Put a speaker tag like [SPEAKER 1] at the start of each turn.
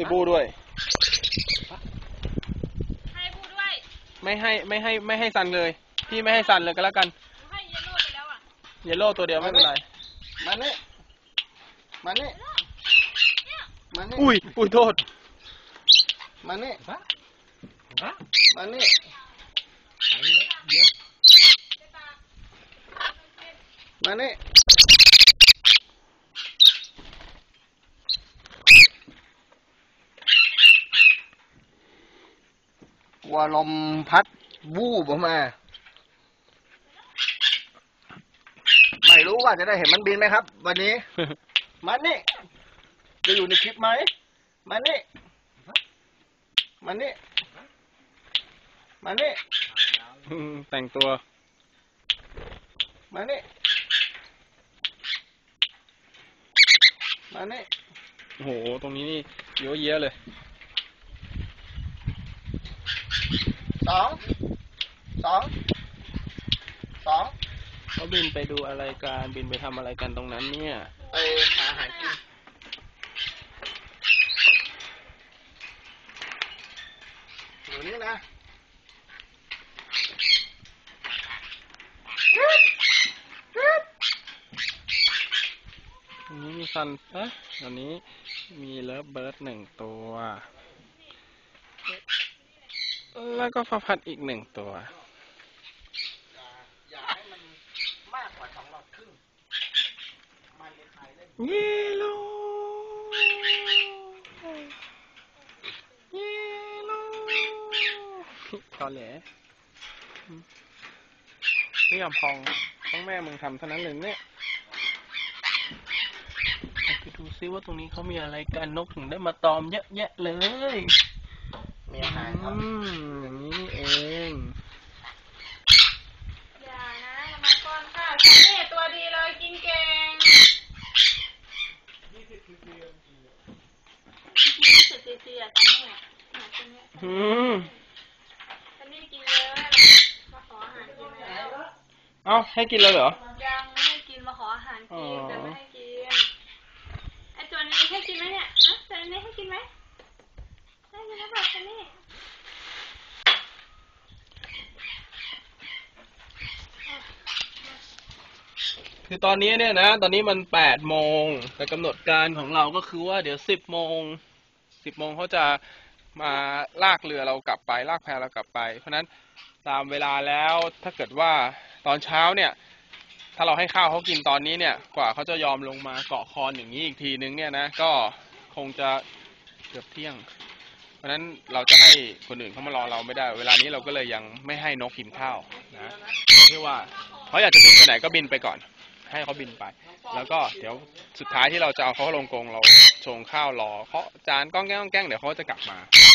[SPEAKER 1] ให้บูด้วย
[SPEAKER 2] ให้บูด้วย
[SPEAKER 1] ไม่ให้ซันเลยพี่ไม่ให้ซันเลยก็แล้วกัน
[SPEAKER 2] ให้เยลโล่ไปแล้วอ่ะ
[SPEAKER 1] เยลโล่ตัวเดียวไม่เป็นไร
[SPEAKER 3] มานี่
[SPEAKER 1] อุ้ยโทษ
[SPEAKER 3] มานี่วัวลมพัดวูบออกมาไม่รู้ว่าจะได้เห็นมันบินไหมครับวันนี้ มันนี่จะอยู่ในคลิปไหมมันนี่
[SPEAKER 1] แต่งตัว
[SPEAKER 3] มานี่
[SPEAKER 1] โอ้โหตรงนี้นี่เยอะแยะเลย
[SPEAKER 3] สอง
[SPEAKER 1] เขาบินไปดูอะไรกันบินไปทำอะไรกันตรงนั้นเนี่ย
[SPEAKER 3] ไปหาอาหารกินอยู่นี่นะ
[SPEAKER 1] ตรงนี้มีซันตอนนี้มีเลิฟเบิร์ด1 ตัวแล้วก็ฟ้าพัดอีก1 ตัว
[SPEAKER 3] อย่าให้มันมากกว่า2 หลอดครึ่งมันจะขายได้
[SPEAKER 1] เยลโล่ตอนแหลไม่ยอมพองต้องแม่มึงทำเท่านั้นเลยเนี่ยไปดูซิว่าตรงนี้เขามีอะไรกันนกถึงได้มาตอมเยอะแยะเลย
[SPEAKER 3] มีอาหารครับ
[SPEAKER 1] อย่างนี้นี่เอง
[SPEAKER 2] อย่านะมาก้อนข้าวฉันเนี่ยตัวดีเลยกินเก่ง20 cc อ่ะฉันเนี่ยฉันนี่กินเยอะมาขออาหารกินแล้ว
[SPEAKER 1] เอ้าให้กินเลยเหรอ
[SPEAKER 2] ยังไม่ให้กินมาขออาหารกินแต่ไม่ให้กินไอตัวนี้ให้กินไหมเนี่ยฮะตัวนี้ให้กินไหมให้กินแล้วแบบนี้
[SPEAKER 1] คือตอนนี้เนี่ยนะตอนนี้มัน8 โมงแต่กำหนดการของเราก็คือว่าเดี๋ยว10 โมงเขาจะมาลากเรือเรากลับไปลากแพเรากลับไปเพราะนั้นตามเวลาแล้วถ้าเกิดว่าตอนเช้าเนี่ยถ้าเราให้ข้าวเขากินตอนนี้เนี่ยกว่าเขาจะยอมลงมาเกาะคอนอย่างนี้อีกทีนึงเนี่ยนะก็คงจะเกือบเที่ยงเพราะนั้นเราจะให้คนอื่นเขามารอเราไม่ได้เวลานี้เราก็เลยยังไม่ให้นกกินข้าวนะที่ว่าเขาอยากจะบินไปไหนก็บินไปก่อนให้เขาบินไปแล้วก็เดี๋ยวสุดท้ายที่เราจะเอาเขาลงกรงเราชงข้าวรอเขาจานก้องแก้งเดี๋ยวเขาจะกลับมา